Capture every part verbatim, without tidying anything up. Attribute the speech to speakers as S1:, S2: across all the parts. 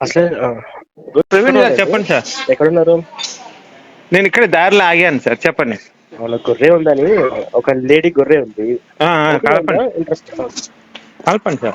S1: అసలే ఆ,
S2: ప్రవీణ్ గారు
S1: గుర్తుపట్టలేదు.
S2: చెప్పండి సార్.
S1: ఎక్కడున్నారు?
S2: నేను ఇక్కడ దారిలో ఆగాను సార్, చెప్పండి.
S1: వాళ్ళ గొర్రె ఉందని, ఒక లేడీ గొర్రె ఉంది.
S2: ఆ, ఆ,
S1: ఐడియా ఉందా?
S2: కలపండి
S1: ఇంట్రెస్ట్?
S2: కలపండి sir.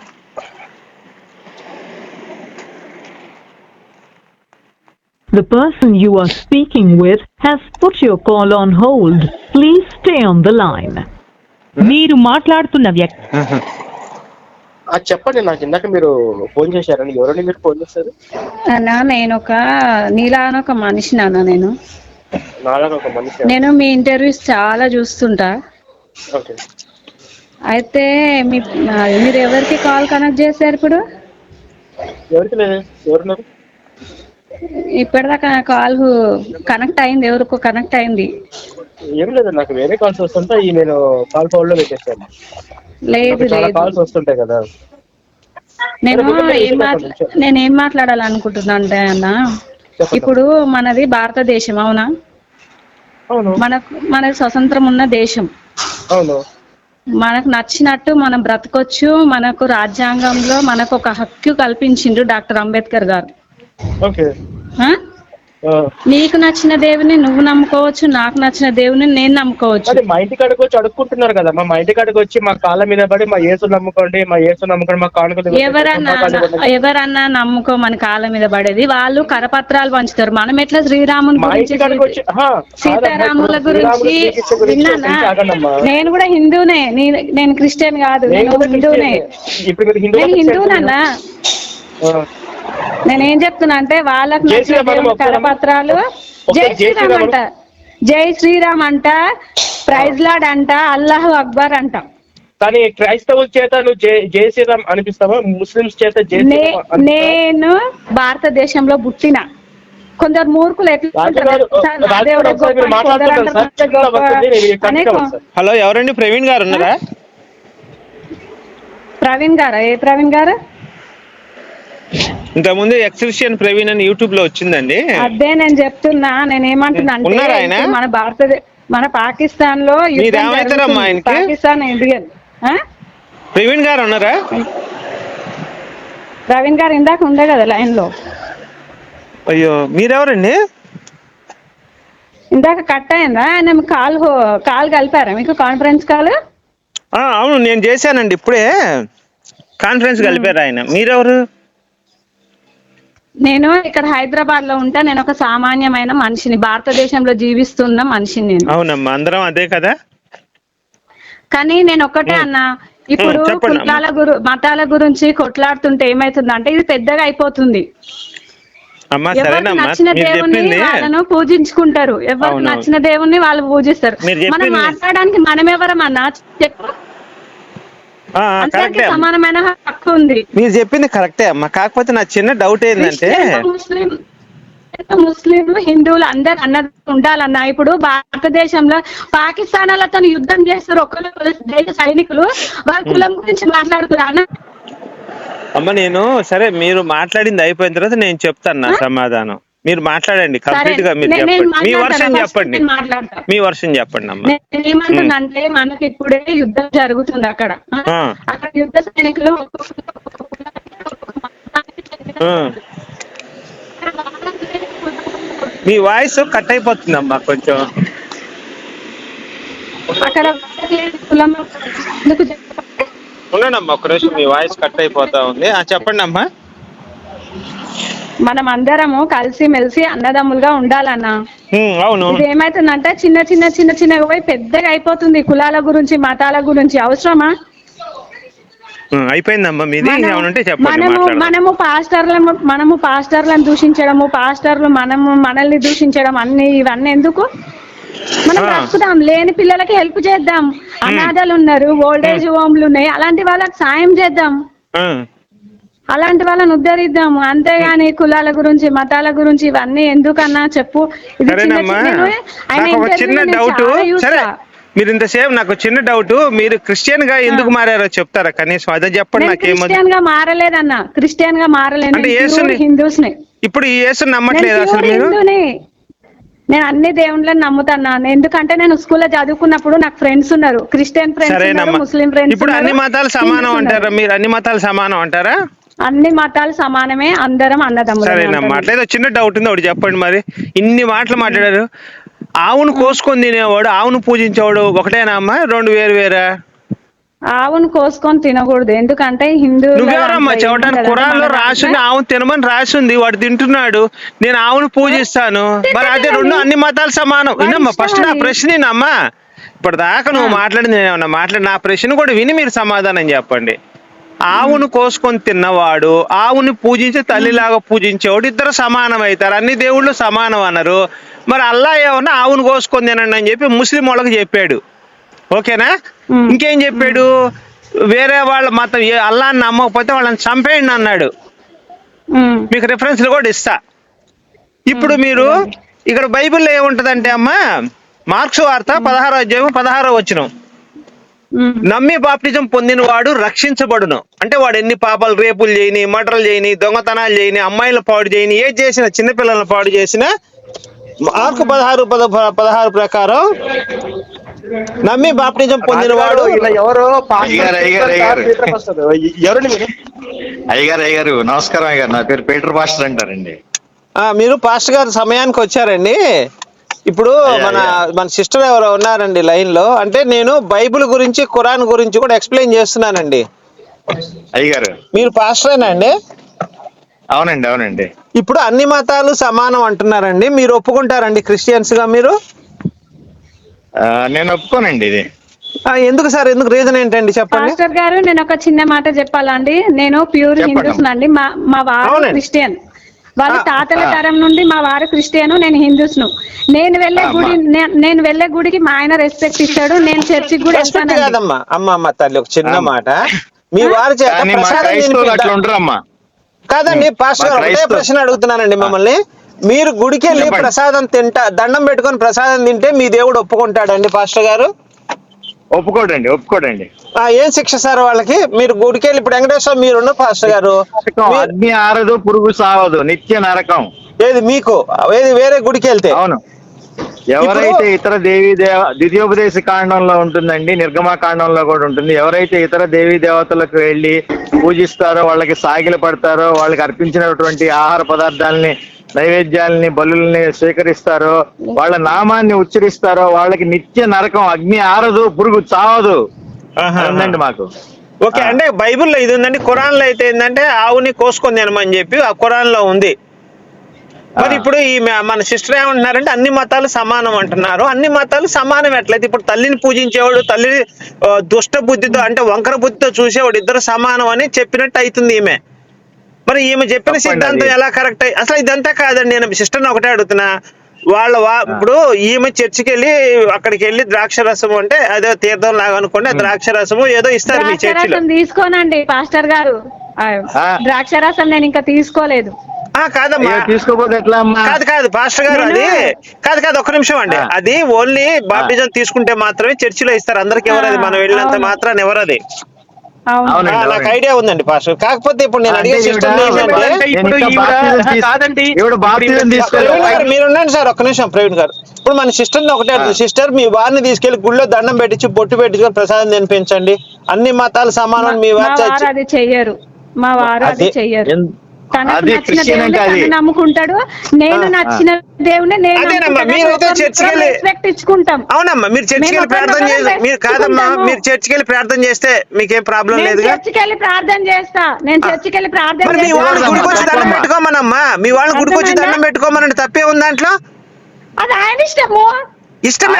S3: The person you are speaking with has put your call on hold. Please stay on the line. మీరు మాట్లాడుతున్న వ్యక్తి
S2: ఆహా.
S1: ఆ, చెప్పండి. నాకు ఇందాక మీరు ఫోన్ చేశారని, ఎవరండి మీరు ఫోన్ చేశారు?
S4: అన్నా నేను ఒక నీలాన ఒక మనిషి నాన్న. నేను
S1: నాలాగా ఒక మనిషి.
S4: నేను మీ ఇంటర్వ్యూస్ చాలా చూస్తుంటా.
S1: ఓకే.
S4: అయితే మీ మీరు ఎవరికి కాల్ కనెక్ట్ చేశారు ఇప్పుడు?
S1: ఎవరికి లేదు. ఎవరున్నారు?
S4: ఇప్పటిదాకా కాల్ కనెక్ట్ అయింది, ఎవరికో కనెక్ట్ అయింది.
S1: ఏం లేదు, నాకు వేరే కాల్స్ వస్తుంటే ఈ నేను కాల్ ఫోన్ లో పెట్టేస్తాను.
S4: లేదు
S1: నాకు చాలా
S4: లేదు
S1: కాల్స్ వస్తుంటాయి కదా.
S4: నేను ఏం మాట్లా నేను ఏం మాట్లాడాలనుకుంటున్నా అంటే అన్న,
S1: చెప్పండి.
S4: ఇప్పుడు మనది భారతదేశం అవునా?
S1: అవును.
S4: మనకు మనది స్వతంత్రం ఉన్న దేశం.
S1: అవును.
S4: మనకు నచ్చినట్టు మనం బ్రతకొచ్చు. మనకు రాజ్యాంగంలో మనకు ఒక హక్కు కల్పించిండు డాక్టర్ అంబేద్కర్ గారు.
S1: ఓకే.
S4: ఆ?
S1: ఆ.
S4: నీకు నచ్చిన దేవుని నువ్వు నమ్ముకోవచ్చు, నాకు నచ్చిన దేవుని నేను నమ్ముకోవచ్చు.
S1: మరి మా ఇంటి కాడికి వచ్చి అడుక్కుంటున్నారు కదా. మా ఇంటి కాడికి వచ్చి మా కాళ్ళ మీద పడి మా యేసు నమ్ముకోండి, మా యేసు నమ్ముకోండి, మా కానుకలు
S4: ఎవరన్నా ఎవరన్నా నమ్ముకోమని కాళ్ళ మీద పడేది. వాళ్ళు కరపత్రాలు పంచుతారు. మనం ఎట్లా శ్రీరాముని
S1: మా
S4: గురించి
S1: ఇంటి కాడికి వచ్చి ఆహా,
S4: సీతారాముల గురించి విన్నానా?
S1: ఆగండమ్మా.
S4: నేను కూడా హిందూనే, నీ- నేను క్రిస్టియన్ కాదు,
S1: నేను
S4: నేను
S1: కూడా
S4: హిందూనే.
S1: క్రిస్టియన్. ఇప్పుడు మీరు హిందూ
S4: నేను హిందూనన్నా. నేనేం చెప్తున్నా అంటే వాళ్ళకు
S1: జై
S4: నచ్చిన
S1: శ్రీరామ్
S4: దేవుని
S1: ఒక్కసారి
S4: కరపత్రాలు
S1: ఒక్క
S4: జై
S1: జై
S4: శ్రీరామ్
S1: శ్రీరామ్
S4: అంట, జై శ్రీరామ్ అంట, ప్రైజ్ లార్డ్ అంట, అల్లాహు అక్బర్ అంట.
S1: కానీ క్రైస్తవుల చేత నువ్వు జై జై శ్రీరామ్ అనిపిస్తావా? ముస్లింస్ చేత జై
S4: నే-
S1: శ్రీరామ్ అనిపిస్తావా?
S4: నేను భారతదేశంలో పుట్టిన కొందరు మూర్ఖులు ఎట్లా
S1: రాజు
S4: ఉంటారు?
S1: గారు,
S4: సార్, నా
S1: రాజు
S4: దేవుడే
S1: గారు ఒకసారి
S4: గొప్ప,
S1: మీరు మాట్లాడుతున్నారు
S4: కొందరు
S1: సార్.
S4: అంటారు
S1: చిన్న
S4: గొప్ప
S1: వస్తుంది, నేను
S4: అనే
S1: కనెక్ట్ సార్.
S2: హలో, ఎవరండి? ప్రవీణ్ గారు ఉన్నారా?
S4: ప్రవీణ్ గారా? ఏ ప్రవీణ్ గారు?
S2: ఇంతకుముందు ఎక్స్క్రిషన్ ప్రవీణ్ అని యూట్యూబ్ లో వచ్చిందండి.
S4: అదే నేను చెప్తున్నా. నేను ఏమంటున్నా అంటే
S2: ఉన్నారా ఆయన?
S4: ఇప్పుడు మన భారతదేశ మన పాకిస్తాన్ లో యుద్ధం
S2: మీరేమవుతారమ్మా
S4: జరుగుతుంది.
S2: ఆయనకి?
S4: పాకిస్తాన్ ఇండియన్. ఆ?
S2: ప్రవీణ్ గారు ఉన్నారా?
S4: ప్రవీణ్ గారు ఇందాక ఉండే కదా లైన్ లో.
S2: అయ్యో, మీరెవరండి?
S4: ఇందాక కట్ అయిందా? ఆయన కాల్ కాల్ కలిపారా మీకు? Conference call?
S2: ఆ, అవును, నేను చేశానండి ఇప్పుడే. కాన్ఫరెన్స్ కలిపారు ఆయన. మీరెవరు?
S4: నేను ఇక్కడ హైదరాబాద్ లో ఉంటా. నేను ఒక సామాన్యమైన మనిషిని, భారతదేశంలో జీవిస్తున్న మనిషిని నేను.
S2: అవునమ్మా, అందరం అదే కదా.
S4: కానీ నేను ఒక్కటే అన్నా, ఇప్పుడు
S2: చెప్పండి అమ్మా.
S4: కులాల గురు మతాల గురించి కొట్లాడుతుంటే ఏమైతుందంటే ఇది పెద్దగా అయిపోతుంది.
S2: అమ్మా
S4: ఎవరికి
S2: సరేనమ్మా,
S4: నచ్చిన
S2: మీరు
S4: దేవుణ్ణి
S2: చెప్పింది
S4: వాళ్ళను పూజించుకుంటారు. ఎవరికి
S2: అవునవును.
S4: నచ్చిన దేవుణ్ణి వాళ్ళు పూజిస్తారు.
S2: మీరు
S4: మనం
S2: చెప్పింది-
S4: మాట్లాడడానికి మనం ఎవరమన్నా చెప్పు.
S2: ఆ, ఆ,
S4: అందరికీ
S2: కరెక్టే అమ్మా.
S4: సమానమైన హక్కు ఉంది.
S2: మీరు చెప్పింది కరెక్టే అమ్మా. కాకపోతే నా చిన్న డౌట్ ఏంటంటే,
S4: క్రిస్టియన్, ముస్లిం ముస్లింలు హిందువులు అందరు అన్నది ఉండాలన్నా. ఇప్పుడు భారతదేశంలో పాకిస్తాన్ వాళ్ళతో యుద్ధం చేస్తారు ఒకరు దేశ సైనికులు, వాళ్ళ కులం గురించి మాట్లాడుతున్నారు అన్న.
S2: అమ్మ నేను సరే, మీరు మాట్లాడింది అయిపోయిన తర్వాత నేను చెప్తాను నా సమాధానం. మీరు మాట్లాడండి కంప్లీట్ గా. మీరు
S4: నేను
S2: చెప్పండి మీ
S4: మాట్లాడతాను.
S2: వర్షం
S4: ఫస్ట్
S2: చెప్పండి.
S4: నేను మాట్లాడతా.
S2: మీ వర్షం చెప్పండి అమ్మా.
S4: నేను ఏమంటున్నానంటే మనకి ఇప్పుడే యుద్ధం జరుగుతుంది అక్కడ.
S2: ఆ.
S4: అక్కడ యుద్ధ సైనికులు
S2: ఆ. మీ వాయిస్ కట్ అయిపోతుందమ్మా కొంచెం.
S4: అక్కడ కులం ఎందుకు చెప్ప-
S2: ఉండండమ్మా ఒక నిమిషం, మీ వాయిస్ కట్ అయిపోతా ఉంది. ఆ, చెప్పండి అమ్మా.
S4: మనం అందరము కలిసి మెలిసి అన్నదమ్ములుగా ఉండాలన్నా.
S2: ఉమ్, అవును.
S4: ఇది ఏమైతుందంటే చిన్న చిన్న చిన్న చిన్నగా పోయి పెద్దగా అయిపోతుంది. కులాల గురించి మతాల గురించి అవసరమా?
S2: ఉమ్, అయిపోయిందమ్మా మీది.
S4: మనము
S2: ఏమనుంటే చెప్పండి,
S4: మనము
S2: మాట్లాడదాం.
S4: మనము పాస్టర్లను మనము పాస్టర్లను దూషించడము, పాస్టర్లు మనము మనల్ని దూషించడం, అన్ని ఇవన్నీ ఎందుకు? మనం
S2: ఆ.
S4: బ్రతుకుదాం, లేని పిల్లలకి హెల్ప్ చేద్దాం. అనాథలు ఉన్నారు, ఓల్డేజ్ హోమ్లు ఉన్నాయి, అలాంటి వాళ్ళకి సాయం చేద్దాం.
S2: ఆ.
S4: అలాంటి వాళ్ళని ఉద్ధరిద్దాము. అంతేగాని కులాల గురించి మతాల గురించి ఇవన్నీ ఎందుకన్నా చెప్పు. ఇది చిన్న
S2: సరేనమ్మా,
S4: చిన్న ఆయన
S2: నాకు ఒక చిన్న
S4: ఇంటర్వ్యూలో నేను
S2: డౌట్.
S4: చాలా
S2: సరే,
S4: చూస్తా.
S2: మీరు ఇంతసేపు నాకు చిన్న డౌట్, మీరు క్రిస్టియన్ గా ఎందుకు మారారో చెప్తారా కనీసం? అదే చెప్పండి.
S4: నేను
S2: నాకేమో
S4: క్రిస్టియన్ గా మారలేదన్న, క్రిస్టియన్ గా మారలేదు.
S2: అంటే
S4: నేను
S2: యేసుని
S4: ప్యూర్ హిందూస్ ని.
S2: ఇప్పుడు ఈ యేసుని
S4: నేను
S2: నమ్మట్లేదు అసలు
S4: ప్యూర్
S2: మీరు?
S4: హిందూని. నేను అన్ని దేవుళ్ళని నమ్ముతాను. ఎందుకంటే నేను స్కూల్లో చదువుకున్నప్పుడు నాకు ఫ్రెండ్స్ ఉన్నారు, క్రిస్టియన్ ఫ్రెండ్స్ ఉన్నారు,
S2: సరేనమ్మా,
S4: ముస్లిం ఫ్రెండ్స్
S2: ఇప్పుడు
S4: ఉన్నారు,
S2: అన్ని మతాలు
S4: హిందూస్
S2: సమానం
S4: ఉన్నారు.
S2: అంటారా? మీరు అన్ని మతాలు సమానం అంటారా?
S4: అన్ని మతాలు సమానమే, అందరం అన్నదమ్ములమే
S2: సరేనమ్మా,
S4: అంటున్నాను.
S2: అట్లయితే ఒక చిన్న డౌట్ ఉంది, ఒకటి చెప్పండి. మరి ఇన్ని మాటలు మాట్లాడారు, ఆవును కోసుకొని తినేవాడు ఆవును పూజించేవాడు ఒకటేనా అమ్మా, రెండు వేరు వేరా?
S4: ఆవును కోసుకొని తినకూడదు, ఎందుకంటే హిందూ
S2: నువ్వెవరమ్మా చెప్పడానికి? ఖురాన్ లో రాసింది ఆవును తినమని రాసింది, వాడు తింటున్నాడు, నేను ఆవును పూజిస్తాను. మరి అదే రెండు అన్ని మతాలు సమానం. వినమ్మా, ఫస్ట్ నా ప్రశ్న వినమ్మా. ఇప్పటిదాకా నువ్వు మాట్లాడింది నేనేమన్నా మాట్లాడి, నా ప్రశ్న కూడా విని మీరు సమాధానం చెప్పండి. ఆవును కోసుకొని తిన్నవాడు ఆవుని పూజించి తల్లిలాగా పూజించేవాడు ఇద్దరు సమానం అవుతారు, అన్ని దేవుళ్ళు సమానం అన్నారు. మరి అల్లా ఏమన్నా ఆవును కోసుకొని తినండి అని చెప్పి ముస్లిం వాళ్ళకి చెప్పాడు, ఓకేనా? ఇంకేం చెప్పాడు? వేరే వాళ్ళ మతం అల్లాని నమ్మకపోతే వాళ్ళని చంపేయండి అన్నాడు. మీకు రిఫరెన్స్లు కూడా ఇస్తా. ఇప్పుడు మీరు ఇక్కడ బైబిల్లో ఏముంటదంటే అమ్మా, మార్క్స్ వార్త పదహారో అధ్యాయం పదహారో వచనం, నమ్మి బాప్టిజం పొందిన వాడు రక్షించబడును. అంటే వాడు ఎన్ని పాపాలు, రేపులు చేయని, మర్డర్లు చేయని, దొంగతనాలు చేయని, అమ్మాయిలను పాడు చేయని, ఏది చేసినా, చిన్నపిల్లలను పాడు చేసినా, మార్కు పదహారు పద పదహారు ప్రకారం నమ్మి బాప్టిజం పొందిన వాడు
S1: ఎవరు
S5: అయ్యగారు అయ్యగారు అయ్యగారు
S1: ఎవరండి మీరు?
S5: అయ్యగారు అయ్యగారు నమస్కారం అయ్యగారు, నా పేరు పీటర్ పాస్టర్ అంటారండి.
S2: మీరు పాస్టర్ గారు సమయానికి వచ్చారండి. ఇప్పుడు మన మన సిస్టర్ ఎవరో ఉన్నారండి లైన్ లో, అంటే నేను బైబిల్ గురించి ఖురాన్ గురించి కూడా ఎక్స్ప్లెయిన్ చేస్తున్నానండి.
S5: అయ్యగారు
S2: మీరు పాస్టరేనా అండి?
S5: అవునండి అవునండి.
S2: ఇప్పుడు అన్ని మతాలు సమానం అంటున్నారండి, మీరు ఒప్పుకుంటారండి క్రిస్టియన్స్ గా మీరు?
S5: నేను ఒప్పుకోనండి ఇది.
S2: ఎందుకు సార్, ఎందుకు, రీజన్ ఏంటండి చెప్పండి.
S4: పాస్టర్ గారు నేను ఒక చిన్న మాట చెప్పాలండి. నేను ప్యూర్ హిందూస్ నండి, మా మా వారు క్రిస్టియన్, వాళ్ళ తాతల తరం నుండి మా వారు క్రిస్టియన్, నేను హిందూస్ ను. నేను వెళ్ళే గుడి నేను వెళ్ళే గుడికి మా ఆయన రెస్పెక్ట్ ఇస్తాడు, నేను చర్చికి కూడా వెళ్తాను.
S2: కాదమ్మా, అమ్మ అమ్మ తల్లి ఒక చిన్న మాట, మీ వారి చేత కాదండి పాస్టర్ గారు ఒకటే ప్రశ్న అడుగుతున్నానండి మిమ్మల్ని. మీరు గుడికి వెళ్ళి ప్రసాదం తింటా, దండం పెట్టుకొని ప్రసాదం తింటే మీ దేవుడు ఒప్పుకుంటాడండి పాస్టర్ గారు?
S5: ఒప్పుకోడండి ఒప్పుకోడండి.
S2: ఏం శిక్ష సార్ వాళ్ళకి? మీరు గుడికి వెళ్ళి, ఇప్పుడు వెంకటేశ్వర మీరున్న పాస్టర్ గారు,
S5: అగ్ని ఆరదు పురుగు సావదు, నిత్య నరకం.
S2: ఏది మీకు, ఏది వేరే గుడికి వెళ్తే?
S5: అవును. ఎవరైతే ఇతర దేవీ దేవ ద్వితీయోపదేశ కాండంలో ఉంటుందండి, నిర్గమా కాండంలో కూడా ఉంటుంది. ఎవరైతే ఇతర దేవీ దేవతలకు వెళ్ళి పూజిస్తారో, వాళ్ళకి సాగిలు పడతారో, వాళ్ళకి అర్పించినటువంటి ఆహార పదార్థాలని, నైవేద్యాలని, బలుల్ని స్వీకరిస్తారో, వాళ్ళ నామాన్ని ఉచ్చరిస్తారో, వాళ్ళకి నిత్య నరకం, అగ్ని ఆరదు పురుగు చావదు ఉందండి మాకు.
S2: ఓకే, అంటే బైబిల్లో ఇది ఉందండి. ఖురాన్ లో అయితే ఏంటంటే ఆవుని కోసుకొని తినమని చెప్పి ఆ ఖురాన్ లో ఉంది. మరి ఇప్పుడు ఈ మన సిస్టర్ ఏమంటున్నారంటే అన్ని మతాలు సమానం అంటున్నారు. అన్ని మతాలు సమానం ఎట్లయితే? ఇప్పుడు తల్లిని పూజించేవాడు, తల్లిని దుష్ట బుద్ధితో అంటే వంకర బుద్ధితో చూసేవాడు ఇద్దరు సమానం అని చెప్పినట్టు అవుతుంది ఈమె. మరి ఈమె చెప్పిన సిద్ధాంతం ఎలా కరెక్ట్ అయ్యి? అసలు ఇదంతా కాదండి, నేను సిస్టర్ని ఒకటే అడుగుతున్నా. వాళ్ళ వా ఇప్పుడు ఈమె చర్చికి వెళ్ళి అక్కడికి వెళ్ళి ద్రాక్ష రసము అంటే అదే తీర్థం లాగా అనుకోండి, ద్రాక్ష రసము ఏదో ఇస్తారు మీ చర్చిలో.
S4: తీసుకోనండి పాస్టర్ గారు, ద్రాక్ష రసం నేను ఇంకా తీసుకోలేదు.
S2: కాదమ్మా,
S5: తీసుకోకపోతే ఎట్లా అమ్మా?
S2: కాదు కాదు పాస్టర్ గారు, అది కాదు కాదు ఒక్క నిమిషం అండి. అది ఓన్లీ బాప్టిజం తీసుకుంటే మాత్రమే చర్చిలో ఇస్తారు, అందరికి ఎవరు అది, మనం వెళ్ళినంత మాత్రాన్ని ఎవరు అది. నాకు ఐడియా ఉందండి పాస్టర్. కాకపోతే ఇప్పుడు నేను అడిగే సిస్టమ్ మీరు ఉండండి సార్ ఒక్క నిమిషం ప్రవీణ్ గారు. ఇప్పుడు మన సిస్టర్ ఒకటే అడుగుతుంది, సిస్టర్ మీ వారిని తీసుకెళ్లి గుళ్ళో దండం పెట్టించి బొట్టు పెట్టించుకొని ప్రసాదం తినిపించండి, అన్ని మతాలు సమానం మీ వారు
S4: అది చెయ్యరు, మా వారు అది చెయ్యరు. తనకు నచ్చిన దేవుని తను నమ్ముకుంటాడు, నేను నచ్చిన దేవుని రెస్పెక్ట్ ఇచ్చుకుంటాం.
S2: అవునమ్మా, మీరు చర్చికి వెళ్ళి ప్రార్థన చేస్తే మీరు కాదమ్మా, మీరు చర్చికి వెళ్ళి ప్రార్థన చేస్తే మీకేం ప్రాబ్లం లేదు.
S4: చర్చికి వెళ్ళి ప్రార్థన చేస్తా, నేను చర్చికి వెళ్ళి ప్రార్థన
S2: మీ వాళ్ళు గుడికి వచ్చి దండం పెట్టుకోమనమ్మా, మీ వాళ్ళు గుడికి వచ్చి దండం పెట్టుకోమనండి, తప్పే ఉంది దాంట్లో?
S4: అది ఆయన ఇష్టము.
S2: ఇష్టమే,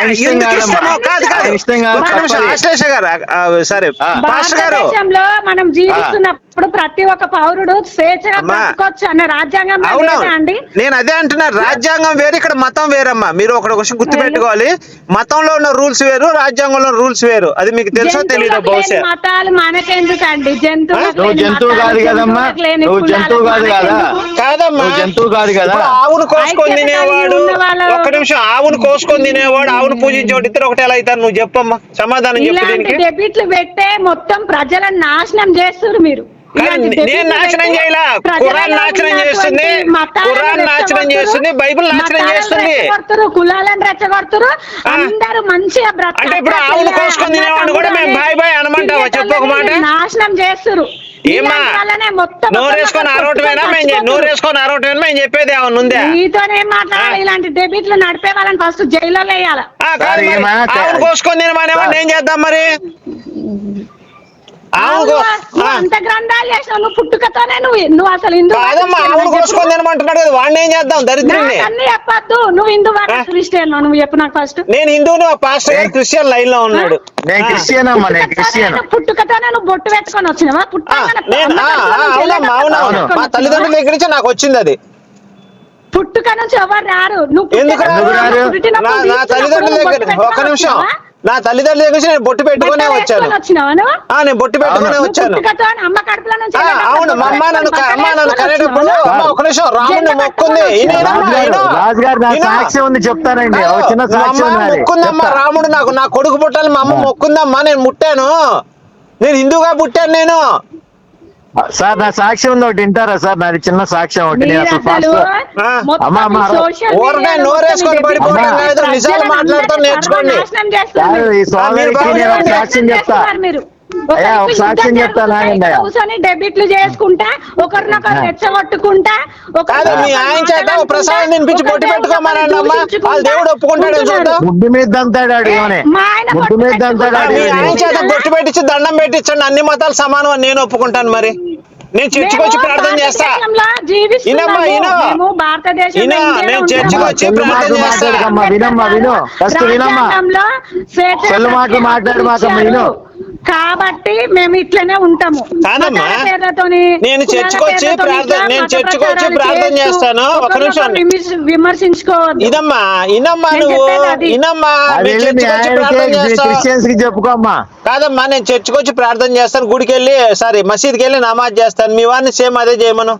S2: సరే పాస్టర్ గారు,
S4: భారతదేశంలో మనం జీవిస్తున్నప్పుడు ప్రతి ఒక్క పౌరుడు స్వేచ్ఛగా బ్రతకొచ్చు అన్న రాజ్యాంగం అండి.
S2: నేను అదే అంటున్నా, రాజ్యాంగం వేరు, ఇక్కడ మతం వేరమ్మా. మీరు ఒక విషయం గుర్తు పెట్టుకోవాలి, మతంలో ఉన్న రూల్స్ వేరు, రాజ్యాంగంలో రూల్స్ వేరు. అది మీకు తెలుసో తెలియదు బహుశా.
S4: మతాలు మనకెందుకండి?
S5: జంతువు జంతువు కాదు కదమ్మా, నువ్వు జంతువు కాదు కదా.
S2: కాదమ్మా,
S5: జంతువు కాదు కదా.
S2: ఆవును కోసుకొని తినేవాడు, ఒక్క నిమిషం, ఆవును కోసుకొని తినేవాడు ఆవును పూజించేవాడు ఇద్దరు ఒకటి ఎలా అవుతారు? నువ్వు చెప్పమ్మా, సమాధానం చెప్పు.
S4: డెబిట్లు పెట్టే మొత్తం ప్రజలను నాశనం చేస్తున్నారు మీరు.
S2: నేను నాశనం చేయలా, ఖురాన్ నాశనం చేస్తుంది, ఖురాన్ నాశనం చేస్తుంది, బైబిల్ నాశనం చేస్తుంది,
S4: కులాలను రెచ్చగొడుతురు, అందరూ మంచిగా బ్రతకాలి.
S2: అంటే ఇప్పుడు ఆవును కోసుకొని తినేవాడు కూడా మేము బాయ్ బాయ్ అనమంటావా? చెప్పు ఒక మాట.
S4: నాశనం చేస్తున్నారు.
S2: ఏమ్మా
S4: వల్లనే మొత్తం
S2: నోరేసుకొని ఆరోటమేనా మేము చె- నోరేసుకొని ఆరోటమేనా మేము చెప్పేది ఏమన్నా ఉందా?
S4: నీతోనే మాట్లాడాలి. ఇలాంటి డెబిట్లు నడిపే వాళ్ళని ఫస్ట్ జైల్లో వేయాలి.
S2: ఆ, కాదు
S5: సార్,
S2: మరి.
S5: ఏమా?
S2: ఆవును కోసుకొని తినమనేవాడిని ఏం చేద్దాం మరి? ఆవును కో-
S4: నువ్వు
S2: ఆ.
S4: అంత గ్రంథాలు చేసినావు. నువ్వు పుట్టుకతోనే నువ్వు నువ్వు అసలు హిందూ
S2: కాదమ్మా ఆవును కోసుకొని తినమంటున్నాడు కదా, వాడిని ఏం చేద్దాం దరిద్రుడిని?
S4: అన్ని చెప్పద్దు. నువ్వు హిందూ క్రిస్టియన్ నువ్వు చెప్పు నాకు ఫస్ట్.
S2: నేను హిందువుని, ఆ పాస్టర్ గారు క్రిస్టియన్ లైన్ లో ఉన్నాడు.
S5: నేను
S2: ఆ.
S5: క్రిస్టియన్ అమ్మా, నేను క్రిస్టియన్.
S4: పుట్టుకతోనే నువ్వు బొట్టు పెట్టుకొని వచ్చినావా?
S2: ఆ,
S4: పుట్టగానే
S2: నేను
S4: అమ్మ
S2: ఆ,
S4: కడుపులో
S2: ఆ,
S4: నుంచి
S2: అవునమ్మా
S4: వెళ్ళేటప్పుడు
S2: అవునవును
S4: పెట్టుకొని
S2: మా తల్లిదండ్రుల
S4: వచ్చినావా?
S2: దగ్గర నుంచి నాకు వచ్చింది అది.
S4: పుట్టుక నుంచి ఎవరు రారు. నువ్వు
S2: ఎందుకు
S4: పుట్టినప్పుడు
S2: రారు?
S5: రారు?
S4: పుట్టినప్పుడు
S2: నా నా
S4: తీసుకున్నప్పుడు
S2: తల్లిదండ్రుల
S4: నువ్వు
S2: దగ్గర
S4: బొట్టు
S2: ఒక్క
S4: పెట్టుకొని
S2: నిమిషం,
S4: వచ్చినావా?
S2: నా తల్లిదండ్రుల దగ్గర నుంచి నేను బొట్టు పెట్టుకునే
S4: బట్టలు
S2: వచ్చాను.
S4: వేసుకొని వచ్చినావా నువ్వు?
S2: ఆ నేను బొట్టు పెట్టుకునే
S4: నువ్వు
S2: వచ్చాను.
S4: పుట్టుకతో అమ్మ కడుపులో నుంచి
S2: ఆ,
S4: వెళ్ళేటప్పుడు
S2: అవును మా అమ్మ
S4: బొట్టు
S2: నన్ను
S4: పెట్టుకొని
S2: అమ్మ నన్ను
S4: బట్టలు
S2: కనేటప్పుడు
S4: వేసుకొని
S2: అమ్మ ఒక నిమిషం రాముని
S4: జెండా
S2: మొక్కుంది.
S4: కట్టుకొని
S2: ఈయనేనమ్మా,
S5: రాజు గారు,
S2: ఈయన.
S5: రాజు గారు నా
S2: ఈయన.
S5: సాక్ష్యం ఉంది చెప్తానండి. ఒక చిన్న
S2: మా
S5: సాక్ష్యం
S2: అమ్మ
S5: ఉంది నాది.
S2: మొక్కుందమ్మా
S5: చెప్తా.
S2: రాముడు నాకు, నా కొడుకు పుట్టాలి మా అమ్మ మొక్కుందమ్మా, నేను ముట్టాను. నేను హిందూగా పుట్టాను నేను.
S5: సార్ నా సాక్ష్యం ఉంది, ఒకటి వింటారా సార్? నాది చిన్న సాక్ష్యం ఒకటి. నేను
S4: మీరు
S5: అసలు
S4: అసలు
S5: ఫస్ట్
S2: ఆ.
S4: మొత్తం
S5: అమ్మా, అమ్మా,
S4: ఈ సోషల్
S2: ఊరనే
S4: మీడియాలో
S2: నోరేసుకొని
S4: మొత్తం
S2: పడిపోవడం
S4: ఇది
S2: కాదు,
S4: ప్రజలను
S2: నిజాలు మాట్లాడటం
S4: అందరినీ
S2: నేర్చుకోండి.
S4: సర్వనాశనం చేస్తున్నారు
S5: కాదు, ఈ
S4: మీరు.
S5: సోదరికి
S2: బాగా
S5: నేను ఒక
S2: చెప్పండి.
S5: సాక్ష్యం చెప్తా.
S4: మీరు
S5: అయ్యా, ఒక
S4: ఒకరికి
S5: సాక్ష్యం
S4: యుద్ధం
S5: చెప్తా
S4: జరుగుతుంటే
S5: నాగండి అయ్యా.
S4: కూర్చొని డెబిట్లు చేసుకుంటా, ఒకరినొకరు రెచ్చగొట్టుకుంటా,
S2: కాదు మీ ఆయన చేత ఓ ప్రసాదం తినిపించి బొట్టు పెట్టుకోమనండి అమ్మా, వాళ్ళ దేవుడు ఒప్పుకుంటాడు చూద్దాం.
S5: ముడ్డు మీద దంతాడు ఆడు ఏమని.
S4: మా ఆయన
S5: ముడ్డు మీద
S4: బొట్టు
S5: దంతాడు
S2: ఆ,
S5: ఆడు
S2: మీ
S5: ఏమని.
S2: ఆయన చేత బొట్టు పెట్టించి దండం పెట్టించండి, అన్ని మతాలు సమానం అని నేను ఒప్పుకుంటాను. మరి నేను చర్చికి వచ్చి ప్రార్థన చేస్తా. ఇనమ్మా, ఇను. ఇను, నేను చర్చికి వచ్చి
S5: చెల్లు
S2: ప్రార్థన
S5: మాటలు
S2: చేస్తా.
S5: మాట్లాడకమ్మా, వినమ్మా, విను. ఫస్ట్ వినమ్మా. చెల్లు మాటలు మాట్లాడు మాకమ్మా, విను.
S4: కాబట్టి మేము ఇట్లనే ఉంటాము.
S2: కాదమ్మా,
S4: మతాల పేర్లతోని,
S2: నేను
S4: కులాల
S2: చర్చికి వచ్చి
S4: పేర్లతోని
S2: ప్రార్థన
S4: ఇట్లా
S2: నేను
S4: మత
S2: చర్చికి వచ్చి
S4: ప్రచారాలు
S2: ప్రార్థన
S4: చేస్తూ
S2: చేస్తాను. ఒక నిమిషం
S4: ఒకరినొకరు విమర్శ- విమర్శించుకోవద్దు.
S2: ఇదమ్మా, ఇనమ్మా,
S4: నేను
S2: నువ్వు
S4: చెప్పేది అది.
S2: ఇనమ్మా,
S5: అది
S2: నేను
S5: వెళ్ళి మీ
S2: చర్చికి వచ్చి ప్రార్థన
S5: ఆయనకి
S2: చేస్తా.
S5: క్రిస్టియన్స్ కి చెప్పుకోమ్మా.
S2: కాదమ్మా, నేను చర్చికి వచ్చి ప్రార్థన చేస్తాను, గుడికి వెళ్ళి సారీ మసీద్కి వెళ్ళి నమాజ్ చేస్తాను. మీ వారిని సేమ్ అదే చేయమను.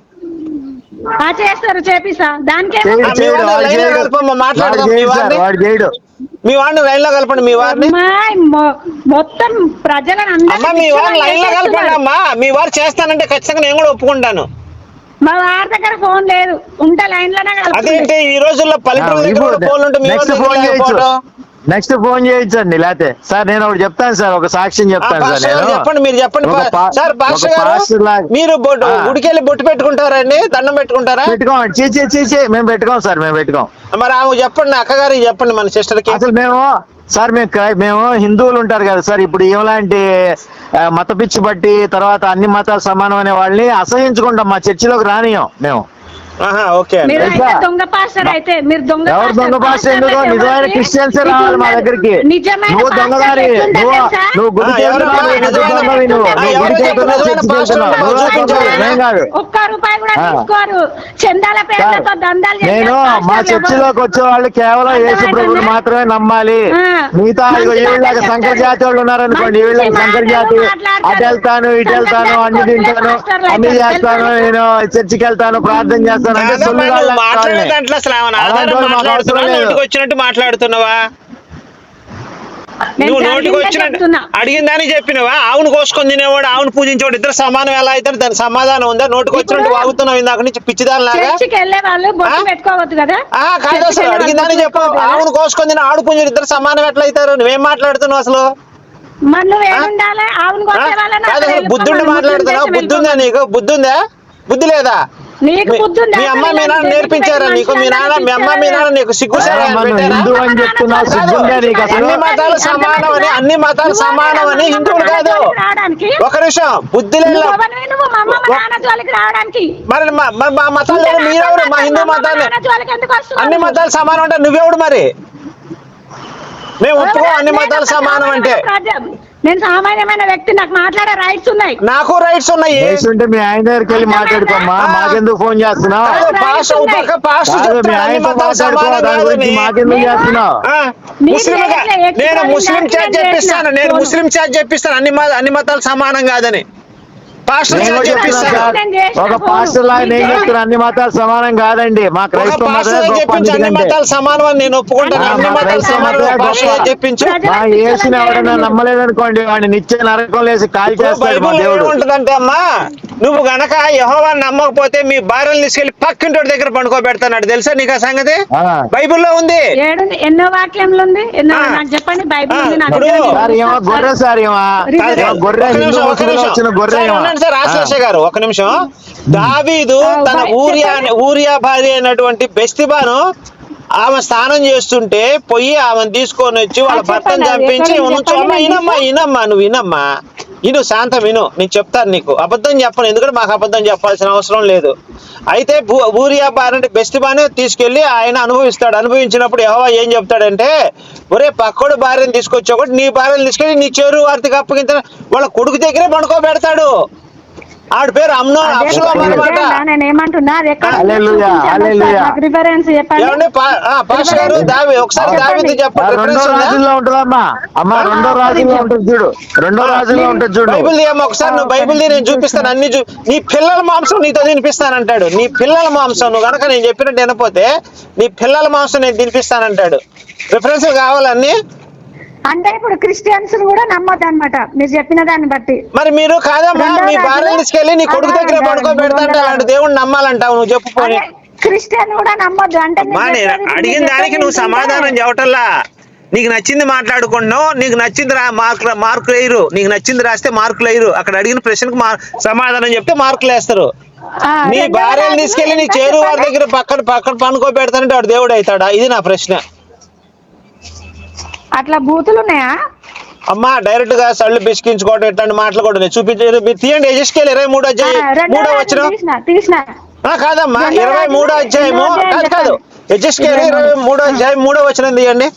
S4: ఆ చేస్తారు, చేపిస్తా. దానికే
S5: చేయడు,
S2: ఆ, మీ
S5: చేయడు,
S2: వాడిని
S5: వాడు
S2: లైన్లో
S5: చేయడు.
S2: కలపమ్మా, మాట్లాడదాం.
S5: వాడు
S2: మీ
S5: చేయడు సార్,
S2: వారిని
S5: వాడు చేయడు.
S2: మీ వాడిని లైన్ లో కలపండి. మీ వారిని
S4: అమ్మాయి మొ- మొత్తం ప్రజలను
S2: అమ్మా, మీ వారిని లైన్ లో కలపండి అమ్మా. మీ వారు చేస్తానంటే ఖచ్చితంగా నేను కూడా ఒప్పుకుంటాను.
S4: మా వారి దగ్గర ఫోన్ లేదు, ఉంటే లైన్ లోనే కలుపుతుంది.
S2: అదేంటి ఈ రోజుల్లో పల్లెటూరు దగ్గర కూడా ఫోన్లు ఉంటే మీ వారి
S5: నెక్స్ట్
S2: దగ్గర
S5: ఫోన్ చేయొచ్చు,
S2: లేకపోవడం?
S5: నెక్స్ట్ ఫోన్ చేయొచ్చండి. లేకపోతే సార్ నేను ఒకటి చెప్తాను సార్, ఒక సాక్ష్యం
S2: ఆ,
S5: చెప్తాను సార్.
S2: పాస్టర్ గారు
S5: నేను
S2: చెప్పండి, మీరు చెప్పండి.
S5: ఒక పా-
S2: సార్ పాస్టర్
S5: ఒక
S2: గారు,
S5: పాస్టర్ లాగా-
S2: మీరు బొట్టు
S5: ఆ.
S2: గుడికి వెళ్ళి బొట్టు పెట్టుకుంటారండి, దండం పెట్టుకుంటారా?
S5: పెట్టుకోండి. చీచే చీచే మేము పెట్టుకోం సార్, మేము పెట్టుకోం.
S2: మరి ఆమె చెప్పండి, అక్కగారికి చెప్పండి, మన సిస్టర్ కి.
S5: అసలు మేము సార్ మేము క్రై- మేము హిందువులు ఉంటారు కదా సార్, ఇప్పుడు ఇలాంటి మత పిచ్చి బట్టి తర్వాత అన్ని మతాలు సమానం అనే వాళ్ళని అసహించుకుంటాం, మా చర్చిలోకి రానియం మేము.
S2: ఆహా, ఓకే అండి.
S4: మీరు అయితే
S5: తెలుసా?
S4: దొంగ పాస్టర్ అయితే మీరు దొంగ
S5: ఎవరు
S4: పాస్టర్.
S5: దొంగ పాస్టర్ ఎందుకో
S4: పాస్టర్లు
S5: నిజమైన
S4: ఎవరికి?
S5: క్రిస్టియన్సే
S4: మీకు
S5: రావాలి మా
S4: ఉండదు.
S5: దగ్గరికి.
S4: నిజమైన
S5: నువ్వు
S4: పాస్టర్లు
S5: దొంగదారి,
S4: ఎట్లుంటారు
S5: నువ్వు
S4: తెలుసా?
S5: నువ్వు గుడికి
S2: ఆ, ఎవరు
S5: వెళ్తున్నావు,
S2: నిజమైన
S5: నువ్వు దొంగవి, నువ్వు
S2: ఆ,
S5: నువ్వు
S2: ఎవరు
S5: గుడికి
S2: చెప్పారు
S5: వెళ్తున్నావు,
S2: నిజమైన
S5: చర్చికి
S2: పాస్టర్లు?
S5: వెళ్తున్నావు. నువ్వే
S2: చూపించండి.
S5: దొంగవి, ఏం కాదు.
S4: ఒక్క రూపాయి కూడా
S5: ఆ.
S4: తీసుకోరు. చందాల పేర్లతో దందాలు చేసే
S5: నేను మా
S4: పాస్టర్లు
S5: చర్చిలోకి
S4: ఎవరు?
S5: వచ్చే వాళ్ళు కేవలం యేసు ప్రభువుని మాత్రమే నమ్మాలి.
S4: ఆ.
S5: మిగతా ఇగో
S4: మంచి
S5: వీళ్ళకి
S4: మాటలు
S5: సంకర
S4: చెప్తారు.
S5: జాతి వాళ్ళు ఉన్నారనుకోండి,
S4: మంచి
S5: వీళ్ళకి సంకర
S4: మాటలు
S5: జాతి
S4: మాట్లాడతారు.
S5: అటు వెళ్తాను ఇటు
S4: సంకర
S5: వెళ్తాను
S4: జాతి
S5: అన్ని
S4: కొట్టే
S5: తింటాను
S4: పాస్టర్లు
S5: అన్ని
S4: అయితే
S5: చేస్తాను,
S4: తెలుసా?
S5: నేను చర్చికి వెళ్తాను ప్రార్థన చేస్తాను అంటే
S2: కాదమ్మా,
S5: సొల్లు
S2: నువ్వు
S5: కాదు
S2: మాట్లాడే
S5: వాళ్ళని.
S2: దాంట్లో అసలు ఏమైనా
S5: అలాంటి
S2: ఆధారం
S5: వాళ్ళు మాకు అవసరం
S2: మాట్లాడుతున్నావా,
S5: లేదు.
S2: నోటికి వచ్చినట్టు మాట్లాడుతున్నావా?
S4: నేను
S2: నువ్వు నోటికి
S4: జరిగిందే
S2: వచ్చినట్టు
S4: చెప్తున్నా.
S2: అడిగిందని చెప్పినవా? ఆవును కోసుకొని తినేవాడు, ఆవును పూజించేవాడు ఇద్దరు సమానం ఎలా అవుతారు? దాని సమాధానం ఉందా? నోటికి వచ్చినట్టు
S4: ఇప్పుడు
S2: వాగుతున్నావు ఇందాక నుంచి పిచ్చిదాని లాగా.
S4: చర్చికి వెళ్ళే వాళ్ళు బొట్టు
S2: ఆ?
S4: పెట్టుకోవద్దు కదా.
S2: ఆ, కాదు
S4: చర్చికి
S2: అసలు
S4: వెళ్ళే వాళ్ళు
S2: అడిగిందని
S4: బొట్టు
S2: చెప్పు.
S4: పెట్టుకోవద్దు కదా.
S2: ఆవును కోసుకొని తిని ఆడు పుంజుడు ఇద్దరు సమానం ఎట్లా అవుతారు? నువ్వేం మాట్లాడుతున్నావు అసలు?
S4: మరి నువ్వు ఏడుండాలి? ఆవును
S2: ఆ?
S4: కొట్టే వాళ్ళని
S2: కాదు
S4: అక్కడ
S2: అసలు బుద్ధుండి
S4: వెళ్ళిపోమని,
S2: మాట్లాడుతున్నావు.
S4: ముస్లిం
S2: బుద్ధి ఉందా
S4: దేశం
S2: నీకు? బుద్ధి ఉందా? బుద్ధి లేదా?
S4: నీకు
S2: మీ-
S4: బుద్ధి ఉందా?
S2: మీ అమ్మ మీ నాన్న
S4: అసలు
S2: నేర్పించారా
S4: ఇలాంటి
S2: నీకు? మీ నాన్న మీ అమ్మ మీ నాన్న నీకు సిగ్గుసారా
S5: ఆ, మనం
S2: పెట్టారా?
S5: హిందూ అని చెప్తున్నావు, సిగ్గుందా నీకు అసలు?
S2: అన్ని మతాలు సమానం అని, అన్ని మతాలు సమానం అని హిందువులు కాదు.
S4: రావడానికి
S2: ఒక నిమిషం, బుద్ధి లేదు.
S4: నువ్వు ఎవరివి? నువ్వు మా అమ్మ మా నాన్న జోలికి రావడానికి
S2: మరి మా- మరి మా మతాలు మీరెవరు? మా హిందూ మతాన్ని
S4: జోలికి ఎందుకు వస్తున్నావు?
S2: అన్ని మతాలు సమానం అంటే నువ్వెవడు మరి? మేము ఒప్పుకో అన్ని మతాలు సమానం అంటే.
S4: నేను సామాన్యమైన వ్యక్తి, నాకు మాట్లాడే రైట్స్ ఉన్నాయి.
S2: నాకు రైట్స్ ఉన్నాయి.
S5: వయసు ఉంటే మీ ఆయన దగ్గరికి వెళ్ళి మాట్లాడుకోమ్మా,
S2: ఆ.
S5: మాకెందుకు ఫోన్ చేస్తున్నావు?
S2: కాదు, పాస్టర్ ఒక పక్క పాస్టర్
S5: కాదు, మీ
S2: చెప్తాడు అన్ని
S5: ఆయనతో
S2: మతాలు
S5: మాట్లాడుకో,
S2: సమానం
S5: దాని గురించి
S2: కాదని.
S5: మాకెందుకు చేస్తున్నావు?
S2: ఆ,
S4: నీకు
S2: ముస్లింగా
S4: లేదులే, ఎక్కి
S2: నేను
S4: పోయి
S2: ముస్లిం
S4: దానికి
S2: చాట్
S4: నేను
S2: చెప్పిస్తాను.
S4: చేసిన
S2: నేను
S4: ఫోను.
S2: ముస్లిం చాట్ చెప్పిస్తాను అన్ని మ- అన్ని మతాలు సమానం కాదని. పాస్టర్
S5: నేను
S2: చాట్
S5: కూడా చెప్తున్నా
S2: చెప్పిస్తాను.
S5: సార్,
S4: నేను చేసిన
S5: ఒక
S4: ఫోను.
S5: పాస్టర్ లాగా నేను చెప్తున్నా, అన్ని మతాలు సమానం కాదండి, మా
S2: ఒక
S5: క్రైస్తవ
S2: పాస్టర్
S5: మతమే గొప్ప.
S2: చెప్పించు అన్ని
S5: అందుకంటే
S2: మతాలు సమానం అని నేను ఒప్పుకుంటాను.
S5: ఆ,
S2: అన్ని
S5: మా
S2: మతాలు
S5: క్రైస్తవ
S2: సమానం
S5: మతమే
S2: పాస్టర్
S5: గొప్ప.
S2: చెప్పించు.
S5: మా యేసుని ఎవడన్నా నమ్మలేదనుకోండి, వాడిని నిత్య నరకం లేసి కాల్ చేస్తాడు మా
S2: బైబిల్
S5: దేవుడు.
S2: ఏముంటదంటే అమ్మా, నువ్వు గనక యెహోవాని నమ్మకపోతే మీ భార్యను తీసుకెళ్లి పక్కింటి దగ్గర పండుకోబెడతాడు. తెలుసా నీకు ఆ సంగతి?
S5: ఆ.
S2: బైబిల్లో ఉంది.
S4: ఏడు ఎన్నో వాక్యంలో ఉంది, ఎన్నో
S2: ఆ.
S4: నాకు చెప్పండి. బైబిల్
S2: ఆ,
S4: ఉంది నా
S2: ఇప్పుడు
S4: దగ్గర.
S5: సార్ ఏమో గొర్రె సార్ ఏమో
S4: కాదు,
S5: ఏమో గొర్రె,
S2: ఒక్క
S5: హిందూ
S2: నిమిషం, ఒక్క
S5: ముసుగులో
S2: నిమిషం.
S5: వచ్చిన గొర్రె
S2: సరే,
S5: ఏమో.
S2: ఉండండి, చెప్పండి సార్ ఆశ్లేష గారు ఒక నిమిషం. దావీదు తన ఊరియా ఊరియా భార్య అయినటువంటి బెస్తిబాను ఆమె స్నానం చేస్తుంటే పొయ్యి ఆమెను తీసుకొని వచ్చి వాళ్ళ భర్తను చంపించి అమ్మా వినమ్మా వినమ్మా నువ్వు వినమ్మా ఇను శాంతం విను, నేను చెప్తాను నీకు, అబద్ధం చెప్పను, ఎందుకంటే మాకు అబద్ధం చెప్పాల్సిన అవసరం లేదు. అయితే ఊరియా భార్య బెస్తిబాను తీసుకెళ్లి ఆయన అనుభవిస్తాడు. అనుభవించినప్పుడు యెహోవా ఏం చెప్తాడంటే, ఒరే పక్కోడు భార్యను తీసుకొచ్చి ఒకటి నీ భార్యను తీసుకెళ్ళి నీ చెరు వారికి అప్పగించిన వాళ్ళ కొడుకు దగ్గరే పండుకోబెడతాడు. ఆడి పేరు అమ్నో అబ్షలోం అన్నమాట.
S4: నేను ఏమంటున్నా
S5: హల్లెలూయా, హల్లెలూయా.
S4: రిఫరెన్స్ చెప్పండి.
S2: పాస్టర్ గారు దావి ఒకసారి దావీదు చెప్పండి.
S5: రెండో రాజుల్లో ఉంటుందమ్మా అమ్మా, రెండో రాజుల్లో ఉంటుంది చూడు, రెండో రాజుల్లో ఉంటుంది చూడు.
S2: బైబిల్ ఏమో ఒకసారి నువ్వు బైబిల్ నేను చూపిస్తాను అన్ని చూ నీ పిల్లల మాంసం నీతో తినిపిస్తానంటాడు. నీ పిల్లల మాంసం నువ్వు కనుక నేను చెప్పినట్టు వినపోతే నీ పిల్లల మాంసం నేను తినిపిస్తానంటాడు. రిఫరెన్స్ కావాలన్నీ.
S4: అంటే ఇప్పుడు క్రిస్టియన్స్ కూడా నమ్మద్దు అనమాట మీరు చెప్పిన దాన్ని బట్టి.
S2: మరి మీరు కాదమ్మా మీ భార్యను తీసుకెళ్ళి నీ కొడుకు దగ్గర పడుకోబెడతాంటే అలాంటి దేవుడిని నమ్మాలంటావు నువ్వు చెప్పు పోనీ.
S4: క్రిస్టియన్ కూడా నమ్మద్దు అంటే
S2: అడిగిన దానికి నువ్వు సమాధానం చెప్పటల్లా. నీకు నచ్చింది మాట్లాడుకుంటున్నావు, నీకు నచ్చింది రా మార్కులు మార్కులు వేయరు, నీకు నచ్చింది రాస్తే మార్కులు వేయరు. అక్కడ అడిగిన ప్రశ్నకు సమాధానం చెప్తే మార్కులు వేస్తారు. నీ భార్యను తీసుకెళ్లి నీ చేరు వారి దగ్గర పక్కన పక్కన పనుకోబెడతానంటే వాడు దేవుడు అవుతాడా? ఇది నా ప్రశ్న.
S4: అట్లా బూతులు ఉన్నాయా
S2: అమ్మా? డైరెక్ట్ గా సళ్ళు బిసికించుకోవడం ఇట్లాంటి మాటలు కూడా ఉన్నాయి. చూపించారు మీరు తీయండి. యెహెజ్కేలు ఇరవై మూడో అధ్యాయం మూడో వచనం కాదమ్మా, ఇరవై మూడో అధ్యాయము కాదు కాదు యెహెజ్కేలు ఇరవై మూడో అధ్యాయం మూడో వచనం తీయండి.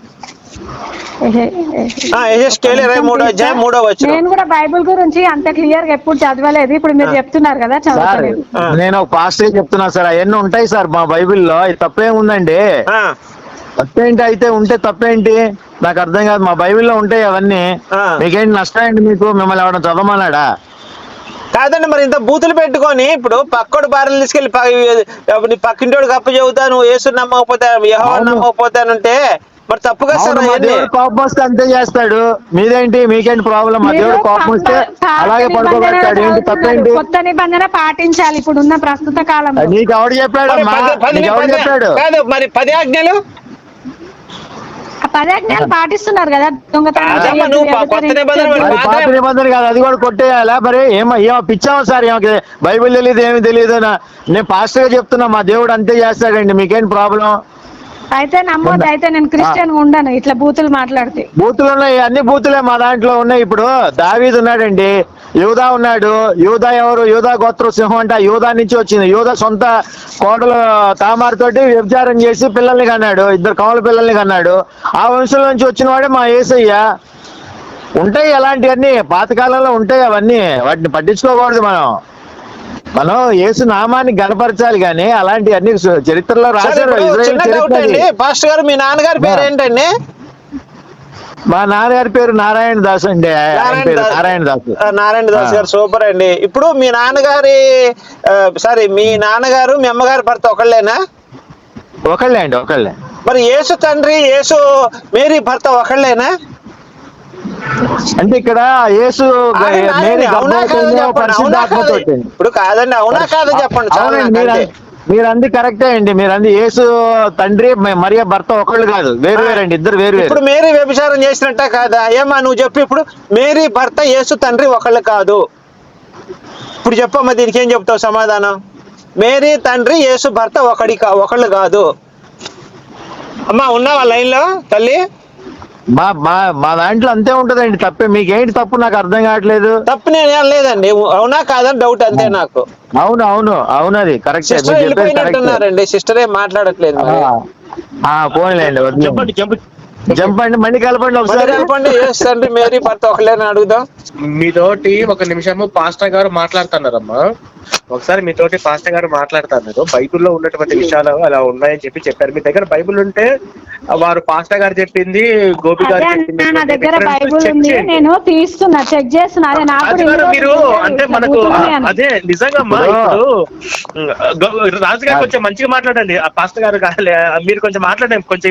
S2: యెహెజ్కేలు ఇరవై మూడో అధ్యాయం మూడో వచనం.
S4: నేను కూడా బైబిల్ గురించి అంత క్లియర్ గా ఎప్పుడు చదవలేదు, ఇప్పుడు మీరు చెప్తున్నారు కదా చదవలేదు.
S5: నేను ఒక పాస్టర్ చెప్తున్నా సార్, అవన్నీ ఉంటాయి సార్ మా బైబిల్లో, తప్పేముందండి? తప్పేంటి అయితే ఉంటే తప్పేంటి? నాకు అర్థం కాదు. మా బైబిల్లో ఉంటాయి అవన్నీ. మీకేంటి నష్టం ఏంటి? మీకు మిమ్మల్ని ఎవరైనా చదవమన్నాడా?
S2: కాదండి, మరి ఇంత బూతులు పెట్టుకొని ఇప్పుడు పక్కోడు భార్యలు తీసుకెళ్ళి పక్కింటోడు కప్పు చెబుతాను, యేసు నమ్మకపోతే యెహోవా నమ్మకపోతానంటే మరి తప్పుగా సార్.
S5: కోపం వస్తే అంతే చేస్తాడు. మీదేంటి? మీకేంటి ప్రాబ్లం? మా దేవుడు కోపం వస్తే అలాగే పడుకోబెడతాడు. ఏంటి తప్పేంటి?
S4: కొత్త నిబంధన పాటించాలి ఇప్పుడు ఉన్న ప్రస్తుత కాలం.
S5: నీకు ఎవడు చెప్పాడు? నీకు ఎవడు చెప్పాడు?
S2: కాదు మరి పది ఆజ్ఞలు
S4: పదాజ్ఞాలు పాటిస్తున్నారు కదా.
S5: పాత నిబంధన కాదు, అది కూడా కొట్టేయాలా? మరి ఏమో ఏమో పిచ్చామా సార్? ఏమో బైబిల్ తెలియదు ఏమి తెలియదు. నేను పాస్టర్ గా చెప్తున్నా మా దేవుడు అంతే చేస్తాడండి. మీకేంటి ప్రాబ్లం?
S4: అయితే నమ్మొద్దు. అయితే నేను క్రిస్టియన్ ఉండను ఇట్లా బూతులు మాట్లాడితే.
S5: బూతులు ఉన్నాయి, అన్ని బూతులే మా దాంట్లో ఉన్నాయి. ఇప్పుడు దావీదు ఉన్నాడండి, యూదా ఉన్నాడు. యూదా ఎవరు? యూదా గోత్ర సింహం అంటే యూదా నుంచి వచ్చింది. యూదా సొంత కోటలు తామారుతోటి వ్యభిచారం చేసి పిల్లల్ని కన్నాడు, ఇద్దరు కమల పిల్లల్ని కన్నాడు. ఆ వంశంలో నుంచి వచ్చిన వాడే మా యేసయ్య. ఉంటాయి అలాంటివన్నీ, పాతకాలంలో ఉంటాయి అవన్నీ. వాటిని పట్టించుకోకూడదు. మనం మనం యేసు నామాన్ని గణపరచాలి కానీ అలాంటివన్నీ చరిత్రలో రాశారు.
S2: పాస్టర్ గారు మీ నాన్నగారి పేరు ఏంటండి?
S5: మా నాన్నగారి పేరు నారాయణ దాస్ అండి. నారాయణ దాస్
S2: నారాయణ దాస్ గారు సూపర్ అండి. ఇప్పుడు మీ నాన్నగారి సారీ మీ నాన్నగారు మీ అమ్మగారి భర్త ఒకళ్ళేనా?
S5: ఒకళ్ళే అండి, ఒకళ్ళే.
S2: మరి యేసు తండ్రి యేసు మేరీ భర్త ఒకళ్ళేనా?
S5: అంటే ఇక్కడ యేసు
S2: ఇప్పుడు కాదండి, అవునా కాదు చెప్పండి.
S5: మీరు అంది కరెక్టే అండి. మీరు అంది యేసు తండ్రి మరియ భర్త ఒకళ్ళు కాదు, వేరు వేరండి, ఇద్దరు వేరు వేరు.
S2: ఇప్పుడు మేరీ వ్యభిచారం చేసినట్ట కాదా? ఏమా నువ్వు చెప్పు. ఇప్పుడు మేరీ భర్త యేసు తండ్రి ఒకళ్ళు కాదు. ఇప్పుడు చెప్పమ్మా, దీనికి ఏం చెప్తావు సమాధానం? మేరీ తండ్రి యేసు భర్త ఒకడి ఒకళ్ళు కాదు. అమ్మా ఉన్నావా లైన్ లో తల్లి?
S5: మా మా మా దాంట్లో అంతే ఉంటదండి. తప్పే. మీకేంటి తప్పు? నాకు అర్థం కావట్లేదు.
S2: తప్పు నేను లేదండి, అవునా కాదని డౌట్ అంతే నాకు.
S5: అవును అవును అవును అది కరెక్ట్.
S2: వెళ్ళిపోయినట్టున్నారండి, సిస్టర్ ఏం మాట్లాడట్లేదు.
S5: పోనీలేండి, జంపండి, మళ్ళీ కలపండి, ఒకసారి
S2: కలపండి. యేసు మేరీ భర్త ఒకళ్ళని అడుగుదాం.
S1: మీతోటి ఒక నిమిషము పాస్టర్ గారు మాట్లాడుతున్నారమ్మా. ఒకసారి మీతోటి పాస్టర్ గారు మాట్లాడుతున్నారు. బైబిల్లో ఉన్నటువంటి విషయాలు అలా ఉన్నాయని చెప్పి చెప్పారు. మీ దగ్గర బైబిల్ ఉంటే వారు పాస్టర్ గారు చెప్పింది, గోపి గారు చెప్పింది
S4: నా దగ్గర బైబిల్ ఉంది, నేను తీస్తున్నా, చెక్ చేస్తున్నా.
S1: మీరు అంటే మనకు అదే నిజంగా ఇప్పుడు రాజు గారు కొంచెం మంచిగా మాట్లాడండి. ఆ పాస్టర్ గారు మీరు కొంచెం మాట్లాడండి, కొంచెం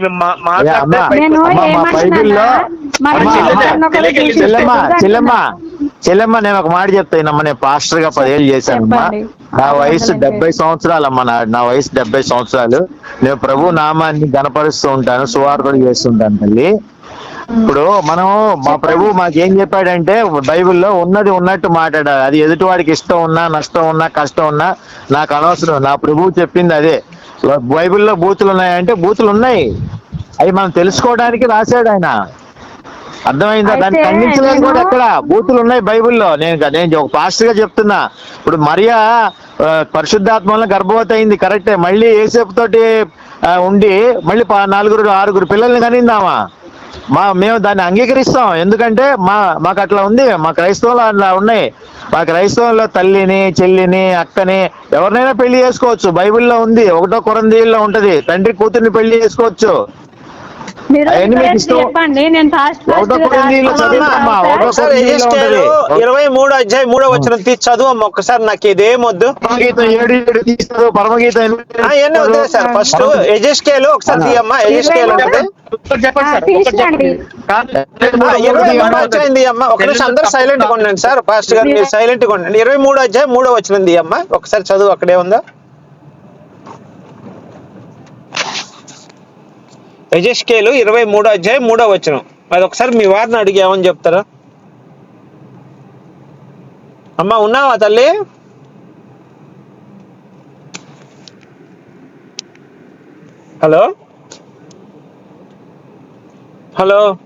S5: చెల్లెమ్మ చెల్లెమ్మ నేను ఒక మాట చెప్తానమ్మా. నేను పాస్టర్ గా పదేళ్ళు చేశానమ్మా. నా వయసు డెబ్బై సంవత్సరాలమ్మా. నా నా వయసు డెబ్బై సంవత్సరాలు. నేను ప్రభు నామాన్ని గణపరుస్తూ ఉంటాను, సువార్తలు చేస్తుంటాను తల్లి. ఇప్పుడు మనం మా ప్రభు మాకేం చెప్పాడంటే బైబిల్లో ఉన్నది ఉన్నట్టు మాట్లాడాలి. అది ఎదుటివాడికి ఇష్టం ఉన్నా నష్టం ఉన్నా కష్టం ఉన్నా నాకు అనవసరం. నా ప్రభువు చెప్పింది అదే. బైబిల్లో బూతులు ఉన్నాయంటే బూతులు ఉన్నాయి, అవి మనం తెలుసుకోవడానికి రాశాడు ఆయన. అర్థమైందా? దాన్ని
S4: అయితే
S5: ఖండించలేదు కూడా
S4: నేను-
S5: ఎక్కడ. బూతులు ఉన్నాయి బైబిల్లో. నేను నేను ఒక పాస్టర్ గా చెప్తున్నా. ఇప్పుడు మరియా ఆ, పరిశుద్ధాత్మలో గర్భవతి అయింది కరెక్టే. మళ్ళీ ఏసేపు తోటి ఆ, ఉండి మళ్ళీ ప- నలుగురు ఆరుగురు పిల్లల్ని కనిందామా? మా మేము దాన్ని అంగీకరిస్తాం. ఎందుకంటే మా మాకు అట్లా ఉంది. మా క్రైస్తవులు అట్లా ఉన్నాయి. మా క్రైస్తవంలో తల్లిని చెల్లిని అక్కని ఎవరినైనా పెళ్లి చేసుకోవచ్చు. బైబిల్లో ఉంది. ఒకటో కొరంథీయుల్లో ఉంటది, తండ్రి కూతుర్ని పెళ్లి చేసుకోవచ్చు.
S4: మీరు
S5: అవన్నీ మీకు ఇష్టం.
S4: చెప్పండి, నేను ఫాస్ట్ ఫాస్ట్
S5: ఒకటో కొరింథీయుల్లో చదివినమ్మా, ఒకటో
S2: ఒకసారి
S5: కొరింథీయుల్లో
S2: ఎజెస్కేలు
S5: ఉంటది.
S2: ఇరవై మూడు అధ్యాయం మూడో వచ్చిన తీసి చదువు అమ్మ ఒక్కసారి. నాకు ఇదేం వద్దు.
S5: పరమగీతం ఏడు ఏడు తీస్తారు. పరమగీతం ఎనిమిది
S2: ఆ, ఎన్ని వద్దు సార్. ఫస్ట్ ఎజెస్కేలు ఒకసారి తీయమ్మా. ఎజెస్కేలు ఉంటుంది.
S1: ఒకటి చెప్పండి సార్,
S4: ఆ,
S1: ఒకటి
S4: తీసుకోండి.
S1: చెప్పండి. కాదు,
S2: ఆ, ఇరవై మూడు అధ్యాయం తీయమ్మా. ఒక నిమిషం అందరూ సైలెంట్ గా ఉండండి సార్. పాస్టర్ గారు మీరు సైలెంట్ గా ఉండండి. ఇరవై మూడు అధ్యాయం మూడో వచ్చిన తీయమ్మా ఒకసారి చదువు. అక్కడే ఉందా? ఎజెస్కేలు ఇరవై మూడో అధ్యాయం మూడో వచనం. అది ఒకసారి మీ వారిని అడిగి ఏమని చెప్తారా? అమ్మా ఉన్నావా తల్లి? Hello hello